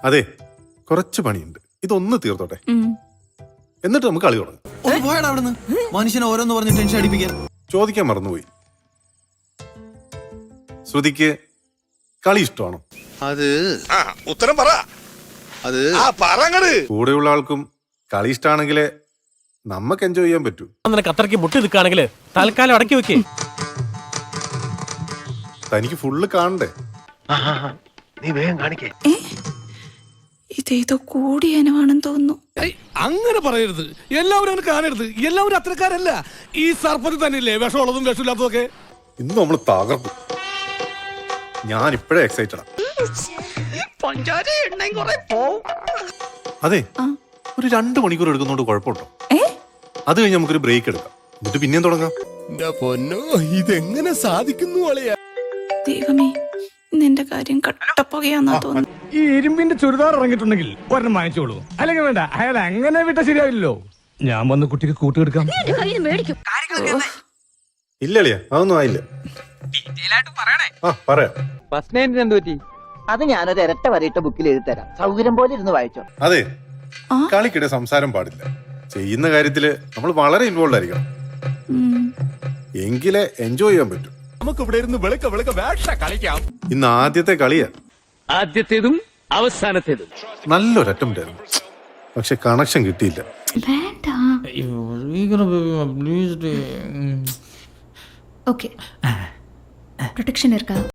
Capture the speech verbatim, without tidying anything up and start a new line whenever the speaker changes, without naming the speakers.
അതെ, കുറച്ച് പണിയുണ്ട്. ഇതൊന്ന് തീർത്തോട്ടെ, എന്നിട്ട് നമുക്ക് കളി തുടങ്ങാം.
ഒന്ന് പോയടാ അവിടുന്ന്. മനുഷ്യനെ ഓരോന്ന് പറഞ്ഞ് ടെൻഷൻ അടിപ്പിക്കാൻ.
ചോദിക്കാൻ മറന്നുപോയി, ശ്രുതിക്ക് കളി ഇഷ്ടമാണോ?
അത് ഉത്തരം പറ. അത്
കൂടെയുള്ള ആൾക്കും കളി ഇഷ്ടമാണെങ്കിലേ നമുക്ക് എൻജോയ് ചെയ്യാൻ പറ്റൂ.
നിനക്ക് അത്രയ്ക്ക് മുട്ടി നിൽക്കുകയാണെങ്കിൽ തൽക്കാലം അടക്കി വെക്കേ.
തനിക്ക് ഫുള്ള് കാണണ്ടേ?
നീ വേഗം കാണിക്കേ.
ഇതേതോ കൂടിയനവാണെന്ന് തോന്നുന്നു.
അങ്ങനെ പറയരുത്, എല്ലാവരും അങ്ങനെ കാണരുത്. എല്ലാവരും അത്രക്കാരല്ല. ഈ സർപ്പത്തിൽ തന്നെയല്ലേ വിഷമുള്ളതും വിഷമില്ലാത്തതും ഒക്കെ.
ഇന്ന് നമ്മൾ തകർക്കും. ഞാൻ ഇപ്പോഴേ എക്സൈറ്റഡാ. അതെ, ഒരു രണ്ട് മണിക്കൂർ എടുക്കുന്നോണ്ട് കുഴപ്പമുണ്ടോ? അത് കഴിഞ്ഞ് നമുക്കൊരു ബ്രേക്ക് എടുക്കാം, എന്നിട്ട് പിന്നെയും തുടങ്ങാം.
പൊന്നോ, ഇതെങ്ങനെ സാധിക്കുന്നു?
ദൈവമേ, നിന്റെ കാര്യം കട്ടപ്പുകയാന്നാ തോന്നുന്നു.
ഈ ഇരുമ്പിന്റെ ചുരിദാർ ഇറങ്ങിയിട്ടുണ്ടെങ്കിൽ ഒരെണ്ണം വാങ്ങിച്ചോളൂ. അല്ലെങ്കിൽ വേണ്ട, അയാൾ അങ്ങനെ വിട്ട ശരിയാവില്ലല്ലോ. ഞാൻ വന്ന് കുട്ടിക്ക് കൂട്ടുകെടുക്കാം.
ഇല്ലളിയാ, അതൊന്നും ആയില്ല. ആ പറയാം.
അത് ഞാനൊരു ഇരട്ട വരയിട്ട ബുക്കിൽ എഴുതി തരാം. സൗകര്യം പോലെ ഇരുന്ന് വായിച്ചോ.
അതെ, കളിക്കിടെ സംസാരം പാടില്ല. ചെയ്യുന്ന കാര്യത്തില് നമ്മൾ വളരെ ഇൻവോൾവ് ആയിരിക്കണം, എങ്കിലേ എൻജോയ് ചെയ്യാൻ പറ്റും.
നമുക്ക് ഇവിടെ ഇരുന്ന് വെളുക്ക വെളുക്ക വേഷ കളിക്കാം.
ഇന്ന് ആദ്യത്തെ കളിയാ,
ആദ്യത്തേതും അവസാനത്തേതും.
നല്ലൊരു അറ്റംപ്റ്റ് ആയിരുന്നു, പക്ഷെ കണക്ഷൻ കിട്ടിയില്ല.
ஓகே ப்ரொடெக்ஷன் இருக்கா?